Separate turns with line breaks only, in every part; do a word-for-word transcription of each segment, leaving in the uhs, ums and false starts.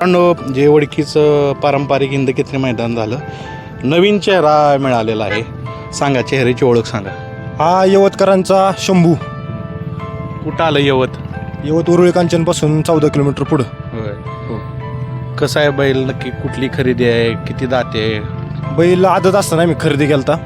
मित्रांनो, जे ओळखीचं पारंपरिक हिंद केसरी मैदान झालं, नवीन चेहरा मिळालेला आहे. सांगा, चेहऱ्याची ओळख सांगा.
हा यवतकरांचा शंभू.
कुठं आलं यवत?
यवत उरुळी कांचनपासून चौदा किलोमीटर पुढं.
होय. हो. कसं आहे बैल, नक्की कुठली खरेदी आहे, किती दाते आहे?
बैल आदत असताना मी खरेदी केलता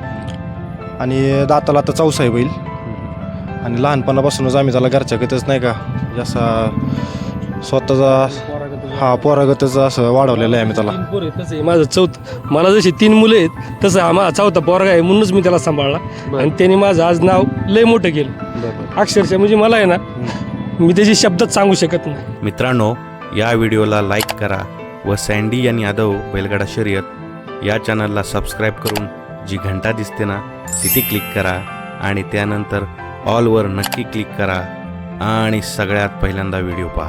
आणि दाताला आता चौसा आहे बैल. आणि लहानपणापासूनच आम्ही त्याला घरच्यागतच नाही का जसा स्वतःचा हा पोरागतच असं वाढवलेलं आहे आम्ही त्याला.
तीन पोर आहेत तसं आहे माझं चौथ मला जशी तीन मुलं आहेत तसं हा माझा चौथा पोरगा आहे म्हणूनच मी त्याला सांभाळला. आणि त्यांनी माझं आज नाव लय मोठं केलं अक्षरशः. म्हणजे मला आहे ना, मी त्याची शब्दात सांगू शकत नाही.
मित्रांनो, या व्हिडिओला लाईक करा व सँडी आणि यादव बैलगाडा शर्यत या चॅनलला सबस्क्राईब करून जी घंटा दिसते ना तिथे क्लिक करा आणि त्यानंतर ऑलवर नक्की क्लिक करा आणि सगळ्यात पहिल्यांदा व्हिडिओ पहा.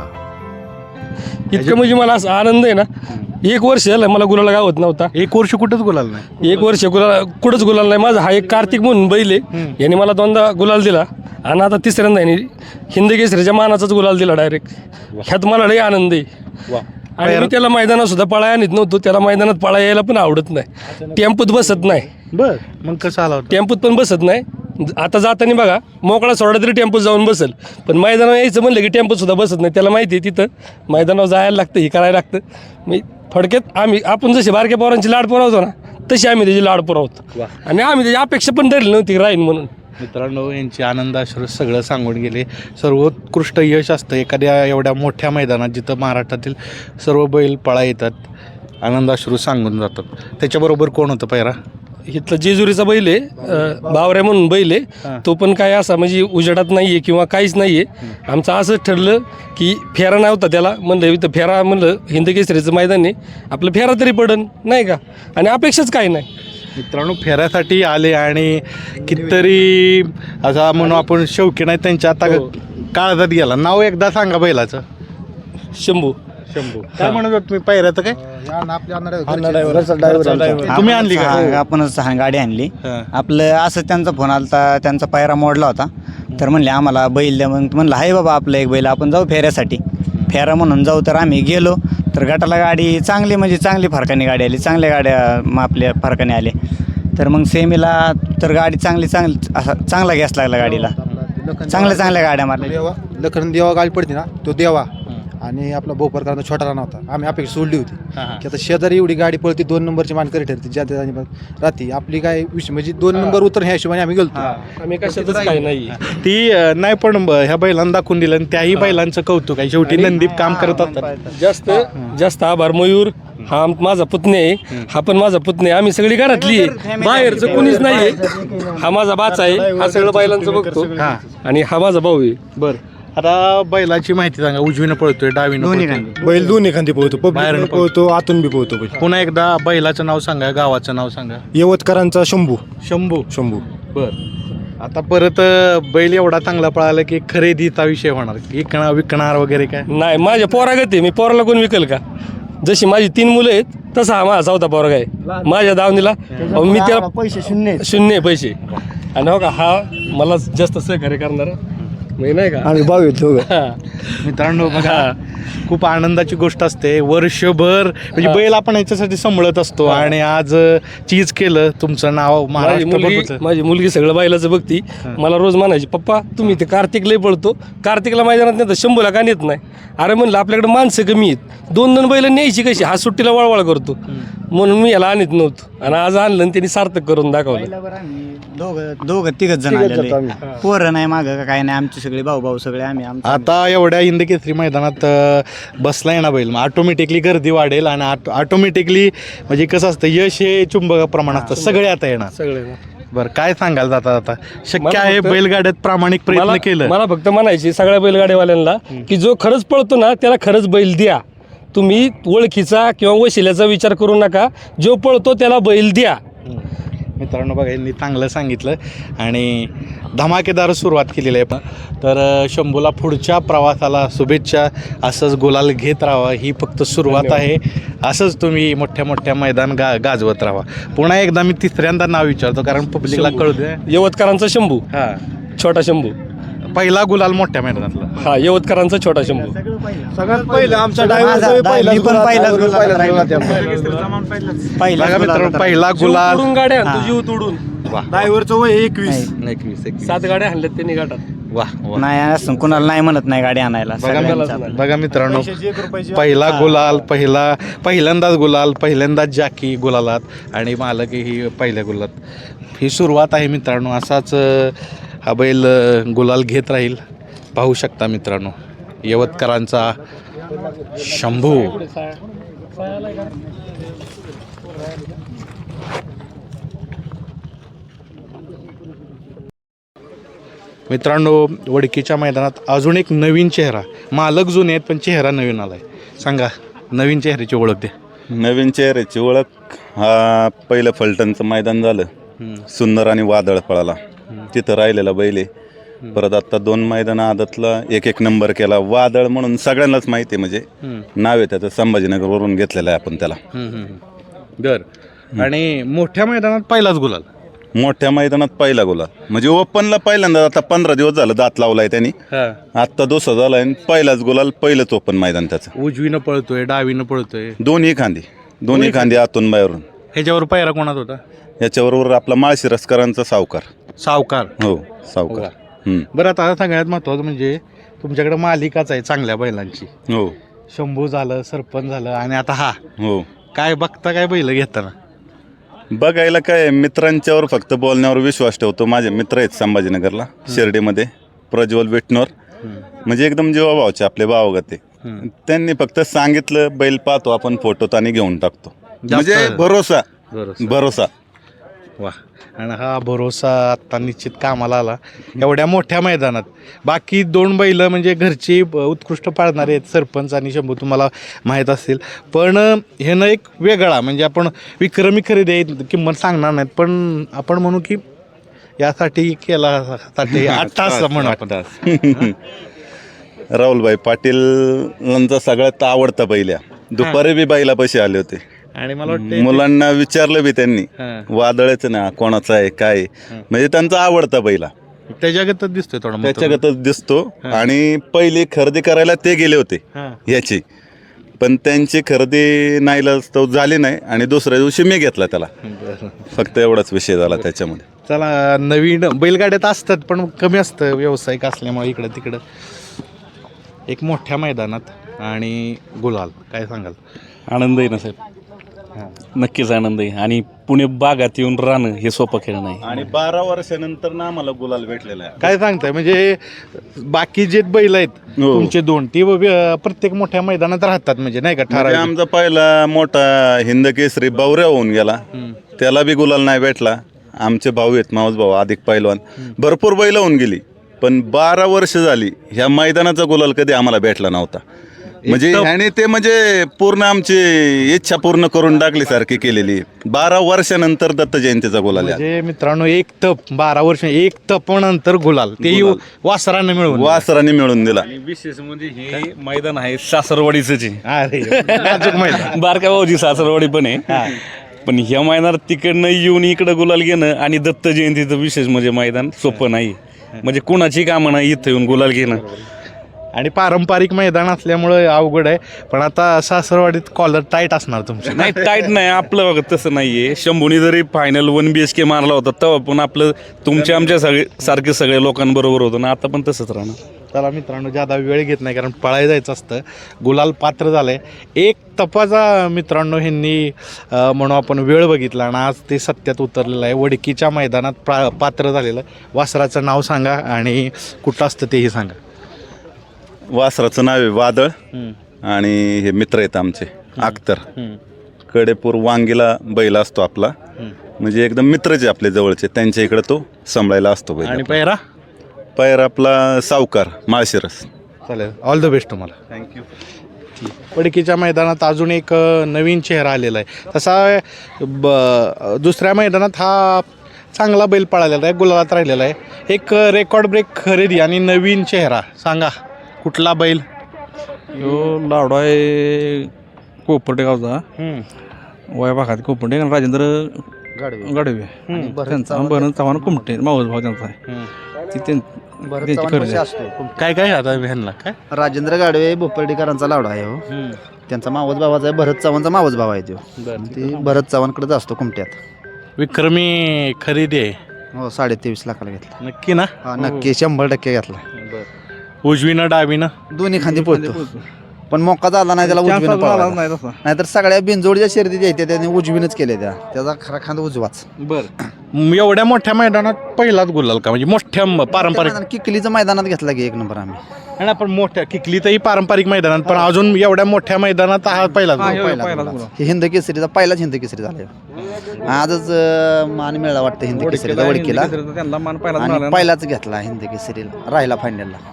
इतकं म्हणजे मला असं आनंद आहे ना. एक वर्ष झालं मला गुलाला गावत नव्हता.
एक वर्ष कुठंच गुलाल नाही.
एक वर्ष गुलाल कुठंच गुलाल नाही माझा. हा एक कार्तिक म्हणून बैल आहे, याने मला दोनदा गुलाल दिला आणि आता तिसऱ्यांदा याने हिंद केसरीच्या मानाचाच गुलाल दिला डायरेक्ट. ह्यात मला लई आनंद आहे. आणि मी त्याला मैदानात सुद्धा पळाय आणत नव्हतो. त्याला मैदानात पळा यायला पण आवडत नाही. टेम्पोत बसत नाही.
बर, मग कसं आला होता?
टेम्पोत पण बसत नाही. आता जाताना बघा मोकळा सोडा तरी टेम्पोत जाऊन बसेल, पण मैदानावर यायचं म्हणलं की टेम्पोत सुद्धा बसत नाही. त्याला माहिती आहे तिथं मैदानावर जायला लागतं, हे करायला लागतं. मी थोडक्यात आम्ही आपण जसे बारक्या पोरांची लाड पुरवतो ना तशी आम्ही त्याची लाड पुरवतो. आणि आम्ही त्याची अपेक्षा पण धरली नव्हती राहीन म्हणून.
मित्रांनो, यांची आनंदाश्रू सगळं सांगून गेले. सर्वोत्कृष्ट यश असतं एखाद्या एवढ्या मोठ्या मैदानात जिथं महाराष्ट्रातील सर्व बैल पळा येतात, आनंदाश्रू सांगून जातात. त्याच्याबरोबर कोण होतं पैरा?
इथलं जेजुरीचा बैल आहे, अं, बावऱ्या म्हणून बैल आहे. तो पण काय असा म्हणजे उजेडात नाही आहे किंवा काहीच नाही आहे. आमचं असंच ठरलं की फेरा नव्हता त्याला, म्हणलं इथं फेरा म्हणलं हिंद केसरीचं मैदान आहे, आपलं फेरा तरी पडन नाही का. आणि अपेक्षाच काही नाही.
मित्रांनो, फेऱ्यासाठी आले आणि कितीतरी असा म्हणून आपण शौकीन आहे त्यांच्या आता काळजात गेला. नाव एकदा सांगा बैलाचं.
शंभू.
शंभू. काय म्हणत होत तुम्ही पैऱ्याचं? काय तुम्ही आणली का?
आपणच हा गाडी आणली.
हा.
आपलं असं त्यांचा फोन आलता, त्यांचा पायरा मोडला होता. तर म्हणले आम्हाला बैल द्या. मग म्हणलं हाय बाबा आपलं एक बैल, आपण जाऊ फेऱ्यासाठी. फेरा म्हणून जाऊ. तर आम्ही गेलो तर गटाला गाडी चांगली म्हणजे चांगली फरकाने गाडी आली. चांगल्या गाड्या आपल्या फरकाने आले. तर मग सेमीला तर गाडी चांगली चांगली असा चांगला गॅस लागला गाडीला. चांगल्या चांगल्या गाड्या मारल्या.
देवा लखन देवा गाडी पडते ना, तो देवा आणि आपला भोपरकरांचा छोटा राणा होता. आम्ही अपेक्षा सोडली होती की आता शेजारी एवढी गाडी पळती, दोन नंबरची मानकरी ठरते ज्या त्या राहते. आपली काय विषय म्हणजे दोन नंबर उतर ह्या हिशोबाने आम्ही गेलो.
आम्ही कशातच काही नाही.
ती अं, नाही पण ब- ह्या बैलांना दाखवून दिलं आणि त्याही बैलांचं कौतुक आहे. शेवटी नंदीप काम करत असतात.
जास्त जास्त आभार. मयूर हा माझा पुतणे आहे, हा पण माझा पुतणे. आम्ही सगळी घरातली आहे, बाहेरचं कोणीच नाही आहे. हा माझा बाचा आहे, हा सगळं बैलांचं बघतो. आणि हा माझा भाऊ आहे.
बरं, आता बैलाची माहिती सांगा. उजवीनं पळतोय, डावीनं पळतोय?
बैल दोन्ही खांदी पोहतो,
बाहेरून
पब्लिक पोहतो, आतून बी पोहतो बैल.
पुन्हा एकदा बैलाचं नाव सांगा, गावाचं नाव सांगा.
यवतकरांचा शंभू.
शंभू.
शंभू.
बर, आता परत अं, बैल एवढा चांगला पळाला की खरेदीचा विषय होणार, विकणार विकणार वगैरे काय?
नाही, माझ्या पोरागत आहे. मी पोराला कोण विकल का? जशी माझी तीन मुलं आहेत तसा हा माझा चौथा पोरगा आहे. माझ्या दावणीला अहो, मी त्याला
पैसे शून्य
शून्य पैसे. आणि हो का, हा मला जास्त सहकार्य करणार नाही का.
आम्ही भाऊ येतो.
मित्रांनो बघा, खूप आनंदाची गोष्ट असते. वर्षभर म्हणजे बैल आपण याच्यासाठी सांभाळत असतो आणि आज चीज केलं, तुमचं नाव
माझी
महाराष्ट्र
मुलगी
बघतं.
माझी मुलगी सगळं बैलाचं बघती. मला रोज म्हणायची, पप्पा तुम्ही ते कार्तिक लय पळतो, कार्तिकला मैदानात नाही तर शंभूला का नेत नाही? अरे म्हणलं आपल्याकडे माणसं कमी आहेत, दोन दोन बैल न्यायची कशी? हा सुट्टीला वळवळ करतो म्हणून मी याला आणत नव्हतो. आणि आज आणलं आणि त्यांनी सार्थक करून दाखवलं.
दोघं दोघं तिघच जण आलेले. पोरं नाही मागं काय नाही, आमचे सगळे भाऊ भाऊ सगळे आम्ही. आमचं
आता एवढ्या हिंद केसरी मैदानात अं, बसलाय ना बैल, मग ऑटोमॅटिकली गर्दी वाढेल आणि ऑटोमॅटिकली म्हणजे कसं असतं, यश हे चुंबकाप्रमाणे असतं. सगळे आता येणार.
सगळे
बरं, काय सांगाल जाता आता? शक्य
मला
आहे
फक्त-
बैलगाड्यात प्रामाणिक प्रयत्न
मला
केलं?
मला फक्त म्हणायची सगळ्या बैलगाड्यावाल्यांना की जो खरंच पळतो ना त्याला खरंच बैल द्या. तुम्ही ओळखीचा किंवा वशिल्याचा विचार करू नका. जो पळतो त्याला बैल द्या.
मित्रांनो बघा, यांनी चांगलं सांगितलं आणि धमाकेदार सुरुवात केलेली आहे. पण तर अ, शंभूला पुढच्या प्रवासाला शुभेच्छा. असंच गुलाल घेत राहा, ही फक्त सुरुवात आहे. असंच तुम्ही मोठ्या मोठ्या मैदान गा गाजवत राहा. पुन्हा एकदा मी तिसऱ्यांदा नाव विचारतो कारण पब्लिकला कळू दे.
यवतकरांचा शंभू,
हां,
छोटा शंभू.
पहिला गुलाल मोठ्या मैदानातला.
हा यवतकरांचा छोटा शंभू.
सगळ्यात पहिलं आमचा
माझा- मी पण पहिलाच गुलाल राहिला. पहिलाच
बघा
गुलाल
मित्रांनो
होता.
पहिला
जीव
गुलाल.
तोडून गाड्या आणतो, जीव तोडून.
ड्रायव्हरचं वय एकवीस.
एकवीस एकवीस.
सात गाड्या आणल्यात त्यांनी गाठात.
वाह वाह.
नाही असं कुणाला नाही म्हणत नाही गाडी आणायला
बघा
सगळ्यांचा.
मित्रांनो बघा मित्रांनो
पैशाची एक रुपयाची
पहिला गुलाल पहिला पहिल्यांदाच गुलाल पहिल्यांदाच जाकी गुलालात आणि मालक ही पहिल्या गुलात. ही सुरुवात आहे मित्रांनो. असाच अ, हा बैल अ, गुलाल घेत राहील. पाहू शकता मित्रांनो यवतकरांचा शंभू. मित्रांनो वडकीच्या मैदानात अजून एक नवीन चेहरा. मालक जुने आहेत पण चेहरा नवीन आलाय. सांगा नवीन चेहऱ्याची ओळख द्या.
नवीन चेहऱ्याची ओळख हा पहिलं फलटणचं मैदान झालं सुंदर आणि वादळ पळाला तिथं राहिलेला बैल आहे. परत आता दोन मैदान आदतला एक एक नंबर केला. वादळ म्हणून सगळ्यांनाच माहिती आहे, म्हणजे नाव आहे त्याचं, संभाजीनगरवरून घेतलेलं आहे आपण त्याला.
बर आणि मोठ्या मैदानात पहिलाच गुलाल.
मोठ्या मैदानात पहिला गुलाल म्हणजे ओपनला पहिल्यांदा. आता पंधरा दिवस झालं दात लावलाय त्यांनी. आत्ता दुसरा झालाय आणि पहिलाच गुलाल पहिलंच ओपन मैदान त्याचं.
उजवीनं पळतोय डावीनं पळतोय
दोन्ही खांदी दोन्ही खांदी आतून बाहेरून.
ह्याच्यावर पायरा कोणात होता?
याच्याबरोबर आपला माळशिरसकरांचा सावकार.
सावकार.
हो सावकार. हम्म.
बरं आता सगळ्यात महत्वाचं म्हणजे तुमच्याकडे मालिकाच आहे चांगल्या बैलांची.
हो
शंभू झालं सरपंच झालं आणि आता हा.
हो
काय बघता काय बैल घेताना?
बघायला काय मित्रांच्यावर फक्त बोलण्यावर विश्वास ठेवतो. माझे मित्र आहेत संभाजीनगरला शिर्डीमध्ये प्रज्वल विटनोर, म्हणजे एकदम जीवाभावचे आपले भावगते. त्यांनी फक्त सांगितलं बैल पाहतो आपण फोटोत आणि घेऊन टाकतो, म्हणजे भरोसा भरोसा.
वा. आणि हा भरोसा आत्ता निश्चित कामाला आला एवढ्या मोठ्या मैदानात. बाकी दोन बैल म्हणजे घरची उत्कृष्ट पाळणारे आहेत सरपंच आणि शंभू, तुम्हाला माहीत असतील. पण ह्यानं एक वेगळा म्हणजे आपण विक्रमी खरेदी आहे किंमत सांगणार नाहीत, पण आपण म्हणू की यासाठी केला साठी आठ तास म्हणू आपण.
राहुलभाई पाटील यांचा सगळ्यात आवडता बैल आहे. दुपारी बी बैला पैसे आले होते
आणि मला वाटतं
मुलांना विचारलं बी त्यांनी वादळच ना कोणाचा आहे काय, म्हणजे त्यांचा आवडता बैला
त्याच्यागतच दिसतोय थोडा.
त्याच्यागतच दिसतो. आणि पहिली खरेदी करायला ते गेले होते याची, पण त्यांची खरेदी नाईलाजास्तव झाली नाही आणि दुसऱ्या दिवशी मी घेतला त्याला. फक्त एवढाच विषय झाला त्याच्यामध्ये.
चला नवीन बैलगाड्यात असतात पण कमी असतं व्यावसायिक असल्यामुळे इकडं तिकडं. एक मोठ्या मैदानात आणि गुलाल काय सांगाल?
आनंद आहे ना साहेब, नक्कीच आनंद आहे. आणि पुणे बागात येऊन राहणं हे सोपं खेळ नाही.
आणि बारा वर्षानंतर ना आम्हाला गुलाल भेटलेला आहे.
काय सांगताय म्हणजे बाकी जे बैल आहेत तुमचे दोन ती व- प्रत्येक मोठ्या मैदानात राहतात म्हणजे नाही का
म्हणजे
ठराविक?
आमचा पहिला मोठा हिंद केसरी बावऱ्या होऊन गेला, त्याला बी गुलाल नाही भेटला. आमचे भाऊ आहेत मावस भाऊ अधिक पैलवान, भरपूर बैल होऊन गेली, पण बारा वर्ष झाली ह्या मैदानाचा गुलाल कधी आम्हाला भेटला नव्हता. म्हणजे आणि ते म्हणजे पूर्ण आमची इच्छा पूर्ण करून टाकली सारखी केलेली. बारा वर्षानंतर दत्त जयंतीचा गुलाल आहे.
म्हणजे मित्रांनो एक तप बारा वर्ष एक तप नंतर गुलाल तेही वासरानं मिळवून
वासराने मिळून दिला.
विशेष म्हणजे हे मैदान आहे सासरवाडीच आहे.
अरे नाजूक मैदान.
बारका भाऊजी सासरवाडी पण आहे, पण ह्या मैदानात तिकडनं येऊन इकडं गुलाल घेणं आणि दत्त जयंतीचं विशेष म्हणजे मैदान सोपं नाही. म्हणजे कुणाची कामं नाही इथं येऊन गुलाल घेणं.
आणि पारंपरिक मैदान असल्यामुळं अवघड आहे. पण आता सासरवाडीत कॉलर टाईट असणार तुमचे.
नाही टाईट नाही आपलं बघा तसं नाहीये. शंभूनी जरी final one B H K मारला होता तेव्हा पण आपलं तुमच्या आमच्या सगळे सारखे सगळे लोकांबरोबर होतं ना, आता पण तसंच राहणार.
चला मित्रांनो जादा वेळ घेत नाही कारण पळायला जायचं असतं. गुलाल पात्र झालंय एक तपाचा मित्रांनो ह्यांनी अं, म्हणू आपण वेळ बघितला आणि आज ते सत्यात उतरलेलं आहे. वडकीच्या मैदानात प्रा पात्र झालेलं. वासराचं नाव सांगा आणि कुठं असतं तेही सांगा.
वासराचं नाव आहे वादळ आणि हे मित्र आहेत आमचे अख्तर. कडेपूर वांगीला बैल असतो आपला, म्हणजे एकदम मित्रचे आपले जवळचे, त्यांच्या इकडे तो सांभाळायला असतो बैल.
आणि पैरा
पैर आपला सावकार माळशिरस.
चालेल ऑल द बेस्ट तुम्हाला.
थँक्यू.
वडकीच्या मैदानात अजून एक अ, नवीन चेहरा आलेला आहे. तसा ब दुसऱ्या मैदानात हा चांगला बैल पळालेला आहे, गुलालात राहिलेला आहे. एक रेकॉर्ड ब्रेक खरेदी आणि नवीन चेहरा सांगा कुठला बैल?
यो लाडू आहे कोपर्डे गावचा, वया भागात कोपर्डे आणि राजेंद्र गाडवे त्यांचा भरण चव्हाण कुमटे मावस भाऊ त्यांचा आहे. ती त्यां त्यांची खरेदी
काय काय आता ह्यांना काय
राजेंद्र गाडवे भोपर्डीकरांचा लावडा आहे हो. त्यांचा मावस भावाचा आहे, भरत चव्हाणचा मावस भाव आहे तो. ते भरत चव्हाणकडेच असतो कुमट्यात.
विक्रमी खरेदी आहे
हो, साडे तेवीस लाखाला घेतला.
नक्की ना?
हा नक्की शंभर टक्के घेतला.
उजवीनं डावीनं
दोन्ही खांदी पळतो, पण मोका झाला नाही त्याला उजवीनं पळाला
नाही तसा.
नाहीतर सगळ्या बिनजोडच्या शर्यती ज्या आहेत त्याने उजवीनच केल्या त्या. त्याचा खरा खांदा उजवाच.
बरं एवढ्या मोठ्या मैदानात पहिलाच गुलाल का म्हणजे मोठ्या पारंपरिक
किकलीचं मैदानात घेतला की एक नंबर आम्ही.
आणि आपण मोठ्या किकलीतही पारंपरिक मैदानात पण अजून एवढ्या मोठ्या मैदानात हा पहिलाच
हा,
गुलाल.
हे
पहिला
पहिलाच
गुलाल.
गुलाल.
हे हिंद केसरीचा पहिलाच हिंद केसरी झाला. आजच अं, मान मिळाला वाटतं हिंद केसरीचा वडकीला.
त्यांना मान पहिलाच
आणि
मिळाला ना.
पहिलाच घेतला हिंद केसरीला, राहिला फायनलला.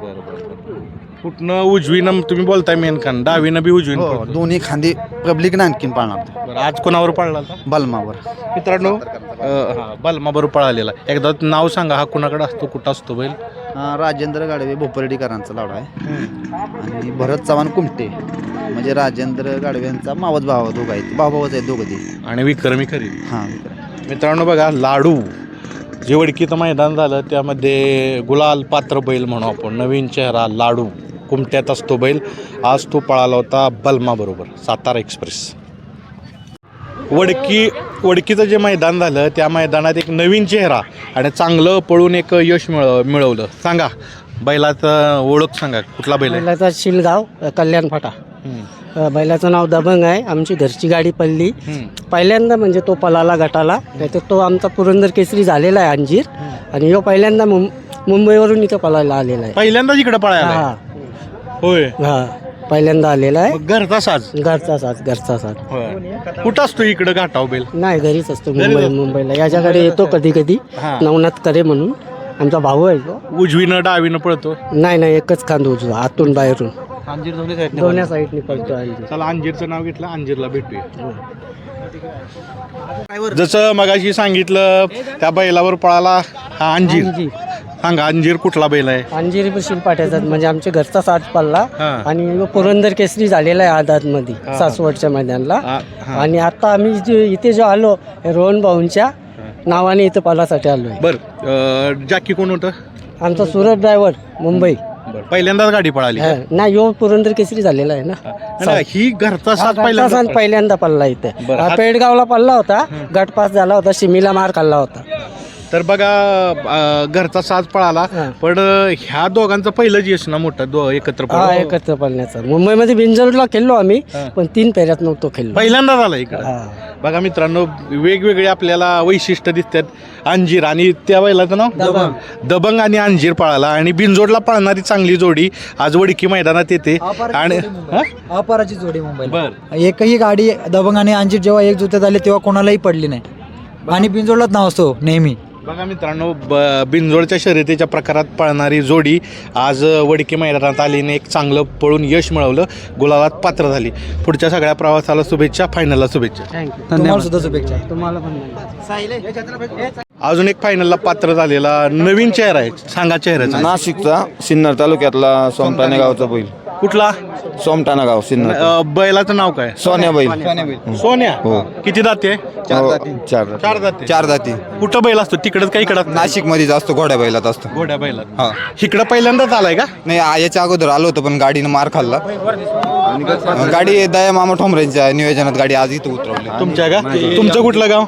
कुठनं उजवीनं तुम्ही बोलताय मेन खान डावीनं बी उजवीनं
हो,
पळतो.
दोन्ही खांदी पब्लिकनं आणखीन पाळणार
बरं, आज कोणावर पळला होता?
बलमावर.
मित्रांनो अं, हा बलमा बरोबर पळालेला. एकदा नाव सांगा हा कुणाकडे असतो कुठं असतो बैल?
अं, राजेंद्र गाडवे भोपर्डीकरांचा लावडा आहे आणि भरत चव्हाण कुमटे म्हणजे राजेंद्र गाडवे यांचा मावस भाव दोघं आहेत, भावाच आहेत दोघं ते.
आणि विक्रमी खरी.
हां
मित्रांनो बघा लाडू जे वडकीचं मैदान झालं त्यामध्ये गुलाल पात्र बैल म्हणू आपण. नवीन चेहरा लाडू कुमट्यात असतो बैल. आज तो पळाला होता बलमा बरोबर सातारा एक्सप्रेस. वडकी वडकीचं जे मैदान झालं त्या मैदानात एक नवीन चेहरा आणि चांगलं पळून एक यश मिळ मिळवलं. सांगा बैलाचं ओळख सांगा, कुठला बैल आहे?
बैलाचा शिलगाव कल्याण फाटा. अ, बैलाचं नाव दबंग आहे. आमची घरची गाडी पडली पहिल्यांदा, म्हणजे तो पलाला गटाला. नाहीतर तो आमचा पुरंदर केसरी झालेला आहे अंजीर, आणि ह्यो पहिल्यांदा मुं मुंबईवरून इथं पळायला आलेला आहे.
पहिल्यांदाच इकडे पळायला
हा
होय.
हा पहिल्यांदा आलेला आहे.
मग घरचा साज
घरचा साथ घरचा साथ
होय. कुठं असतो इकडं घाटाव बैल?
नाही, घरीच असतो मुंबई मुंबईला. याच्याकडे येतो कधी कधी
हा.
नवनाथ करे म्हणून आमचा भाऊ आहे तो.
उजवीनं डावीनं पळतो.
नाही नाही एकच खांद उजवा, आतून बाहेरून दोन्ही साईडने पळतो अंजीर.
चला अंजीरचं नाव घेतलं, अंजीरला भेटूया. जसं मगाशी सांगितलं त्या बैलावर पळाला हा अंजीर.
अंजीर.
सांगा अंजीर कुठला बैल आहे?
अंजिरी शिलपाट्याचा म्हणजे आमच्या घरचा साथ पडला.
हा.
आणि ह्यो पुरंदर केसरी झालेला आहे आझाद मध्ये सासवडच्या मैदानला.
हा, हा.
आणि आता आम्ही जे इथे जो आलो रोहन भाऊंच्या नावाने इथं पालासाठी आलोय.
बर जाकी कोण होतं?
आमचा सुरत ड्रायव्हर मुंबई.
बरं, पहिल्यांदाच गाडी पळाली का?
हा. नाही ह्यो पुरंदर केसरी झालेला आहे ना.
नाही, ही घरचा साथ
घरचा
पहिल्यांदा
साथ पहिल्यांदा पडला इथे.
बरं,
हा,
हा-
पेडगावला पडला होता, गट पास झाला होता, शिमीला मार खाल्ला होता.
तर बघा अं, घरचा साज पळाला.
हा.
पण अं, ह्या दोघांचं पहिलंच यश ना मोठं दो एकत्र
हा
पळून.
एकत्र पडण्याचा. मुंबईमध्ये बिंजोडला खेळलो आम्ही,
हा.
पण तीन फेऱ्यात नव्हतो खेळलो.
पहिल्यांदा झाला इकडं.
हा.
बघा मित्रांनो वेगवेगळे आपल्याला वैशिष्ट्य दिसतात. अंजीर आणि त्या बैलाचं नाव
दबंग.
दबंग आणि अंजीर पळाला आणि बिनजोडला पळणारी चांगली जोडी आज वडकी मैदानात येते. आणि हा?
अपराची जोडी मुंबईला.
बर
एकही गाडी दबंग आणि अंजीर जेव्हा एक जुत्यात आले तेव्हा कोणालाही पडली नाही, आणि बिनजोडलाच नाव असतो नेहमी.
बघा मित्रांनो ब- बिनजोडच्या शर्यतीच्या प्रकारात पळणारी जोडी आज वडकी मैदानात आलीने एक चांगलं पळून यश मिळवलं, गुलालात पात्र झाली. पुढच्या सगळ्या प्रवासाला शुभेच्छा, फायनलला शुभेच्छा.
थँक्यू.
तुम्हाला सुद्धा शुभेच्छा.
तुम्हाला पण.
अजून एक फायनलला पात्र झालेला नवीन चेहरा आहे. सांगा चेहऱ्याचा.
नाशिकचा सिन्नर तालुक्यातला सोमटाणे गावचा बैल.
कुठला?
सोमटाणा गाव सिन्नर.
अं, बैलाचं नाव काय?
सोन्या बैल.
सोन्या.
हो.
किती दाते?
हो, चार
चार दाते.
चार जाती.
कुठं बैल असतो? तिकडच का इकडं?
नाशिक मध्ये जास्त घोड्या बैलात असतो.
घोड्या बैलात.
हा.
इकडं पहिल्यांदाच आलाय का?
नाही, आ- याच्या अगोदर आलो होतो पण गाडीनं मार खाल्ला. गाडी दया मामा ठोंबरेंच्या नियोजनात गाडी आज इथं उतरवली.
तुमच्या का? तुमचं कुठलं गाव?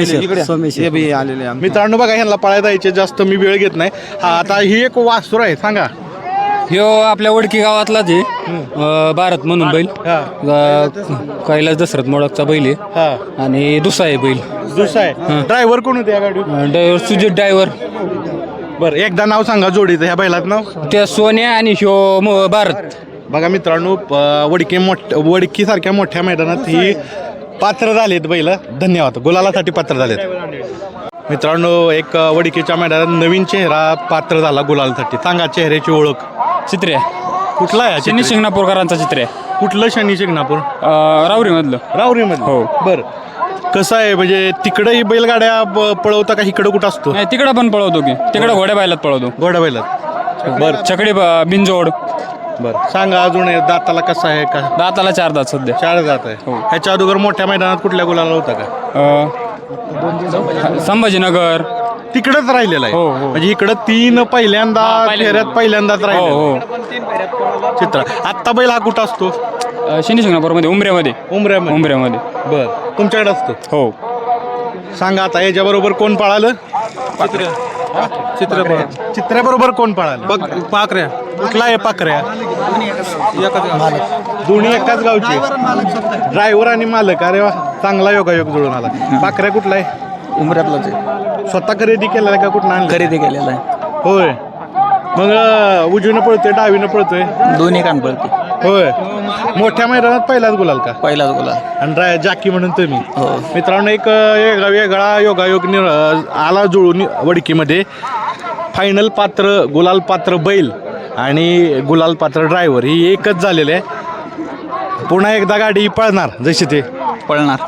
आलेले
मित्रांनो बघा ह्यांना पळायला जायचे जास्त मी वेळ घेत नाही. हा आता ही एक वासुर आहे, सांगा.
ह्यो आपल्या वडकी गावातलाच आहे, अं, भारत म्हणून बैल.
हा
अं, कैलास दशरथ मोडकचा बैल आहे,
हा
आणि दुसरा आहे बैल.
दुसरा आहे. ड्रायव्हर कोण होते या गाडी?
Driver Sujit driver.
बरं एकदा नाव सांगा जोडीचं ह्या बैलात नाव.
त्या सोन्या आणि ह्यो म- भारत.
बघा मित्रांनो प- वडकी मोठ वडकी सारख्या मोठ्या मैदानात ही पात्र झालेत बैल. धन्यवाद. गुलालासाठी पात्र झालेत. मित्रांनो एक वडकीच्या मैदानात नवीन चेहरा पात्र झाला गुलालासाठी. सांगा चेहऱ्याची ओळख.
चित्र्या
कुठला आहे हा
शनी
चित्र?
शिंगणापूरकरांचा चित्र्या.
कुठलं शनी शिंगणापूर?
रावरी मधलं.
रावरी मध्ये.
हो.
बर कसं आहे म्हणजे तिकडं ही बैलगाड्या ब- पळवता का इकडं कुठं असतो?
नाही, तिकडं पण पळवतो की, तिकडं घोड्या बैलात पळवतो.
घोडा बैलात. बर
छकडी ब- बिनजोड.
बर सांगा अजून हे दाताला कसं आहे का?
दाताला चार दात सध्या.
चार जात आहे.
हो.
ह्याच्या अगोदर मोठ्या मैदानात कुठल्या गुलाला होता का?
अं, संभाजीनगर,
तिकडच राहिलेला आहे
हो, हो.
म्हणजे इकडं तीन पहिल्यांदा फेऱ्यात पहिल्यांदाच राहिले
हो
चित्र. आत्ता बैल हा कुठं असतो?
हो शनी शिंगणापूरमध्ये उमऱ्यामध्ये
उमऱ्यामध्ये.
उमऱ्यामध्ये
बर तुमच्याकडे असतो?
हो.
सांगा आता याच्याबरोबर कोण पळालं?
चित्र
चित्र्याबरोबर कोण पळालं?
पाकऱ्या
कुठला आहे पाकऱ्या? दोन्ही एकाच गावचे ड्रायव्हर आणि मालक. अरे वा, चांगला योगायोग जुळून आला. पाकऱ्या कुठला आहे?
उमऱ्यातलाच आहे.
स्वतः खरेदी केलेला आहे का कुठं आणलं?
खरेदी केलेला आहे.
होय. मग अं, उजवीनं पळतोय डावीनं पळतोय?
दोन्ही कान पडते.
होय. मोठ्या मैदानात पहिलाच गुलाल का?
पहिलाच गोला.
आणि ड्राय जाकी म्हणून तुम्ही.
हो.
मित्रांनो एक अं, वेगळा वेगळा योगायोग नि अं, आला जुळून वडकीमध्ये. फायनल पात्र गुलाल पात्र बैल आणि गुलाल पात्र ड्रायव्हर ही एकच झालेले आहे. पुन्हा एकदा गाडी पळणार जशी ते
पळणार.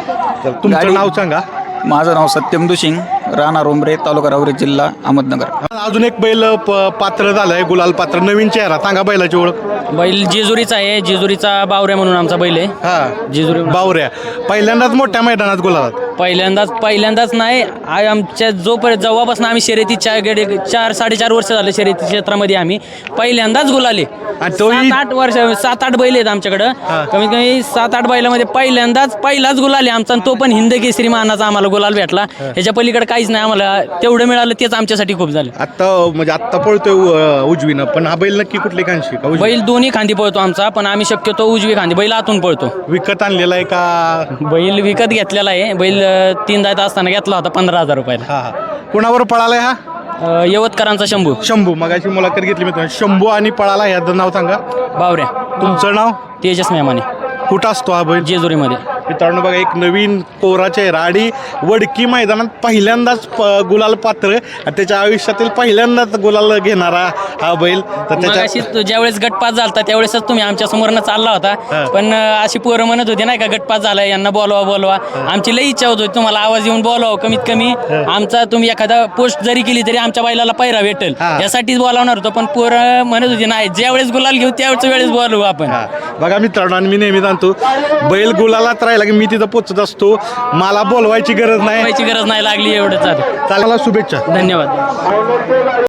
तर तुमचं
गाडी-
नाव सांगा.
माझं नाव सत्यम दुशिंग, राहणार उमरे, तालुका राहुरी, जिल्हा अहमदनगर.
अजून एक बैल प- पात्र झालाय गुलाल पात्र नवीन चेहरा. सांगा बैलाची ओळख.
बैल जेजुरीचा आहे. जेजुरीचा बावऱ्या म्हणून आमचा बैल आहे.
हा
जेजुरी
बावऱ्या पहिल्यांदाच मोठ्या मैदानात गुलालात.
पहिल्यांदाच पहिल्यांदाच नाही आ- आमच्या जोपर्यंत जेव्हापासून आम्ही शर्यती चार गेले चार साडेचार वर्ष झाले शर्यती क्षेत्रामध्ये आम्ही पहिल्यांदाच गुलाले.
आणि तोही-
सात आठ वर्ष सात आठ बैल आहेत आमच्याकडं. कमीत कमी सात आठ बैलामध्ये पहिल्यांदाच पहिलाच गुलाले आमचा आणि तो पण हिंद केसरी मानाचा आम्हाला गुलाल भेटला. ह्याच्या पलीकडे काहीच नाही. आम्हाला तेवढं मिळालं तेच आमच्यासाठी खूप झालं.
आत्ता म्हणजे आत्ता पळतोय उ- उजवीनं पण हा बैल नक्की कुठली कांशी का उजवी?
बैल दोन्ही खांदी पळतो आमचा, पण आम्ही शक्यतो उजवी खांदी बैल आतून पळतो.
विकत आणलेला आहे का?
बैल विकत घेतलेला आहे. बैल अ, तीन दात असताना घेतला होता पंधरा हजार रुपयाला.
हा हा कुणावर पळालाय हा?
अ, यवतकरांचा शंभू
शंभू. मगाशी मुलाखत घेतली मी शंभू आणि पळाला याचं नाव सांगा.
बावऱ्या.
तुमचं नाव?
तेजस मेमाने.
कुठं असतो हा बैल?
जेजुरीमध्ये.
मित्रांनो बघा एक नवीन कोरा चेहरा आणि वडकी मैदानात पहिल्यांदाच प- गुलाल पात्र आणि त्याच्या आयुष्यातील पहिल्यांदाच गुलाल घेणारा हा बैल. तर
मगाशी
त्याच्या
तो ज्यावेळेस गटपास झालता त्यावेळेसच तुम्ही आमच्या समोरनं चालला होता.
हा.
पण अ, अशी पोरं म्हणत होती नाही का गटपास झाला यांना बोलवा बोलवा. आमची लई इच्छा होती तुम्हाला आवाज येऊन बोलवा. कमीत कमी आमचा तुम्ही एखादा पोस्ट जरी केली तरी आमच्या बैलाला पैरा भेटेल
हा.
यासाठीच बोलावणार होतो. पण पोरं म्हणत होती नाही ज्यावेळेस गुलाल घेऊ त्यावेळेस वेळेस बोलवू आपण.
हा. बघा मित्रांनो आणि मी नेहमी जाणतो बैल गुलालात राहिला की मी तिथं पोचत असतो. मला बोलवायची गरज नाही.
बोलवायची गरज नाही लागली एवढंच.
चालेल शुभेच्छा.
धन्यवाद.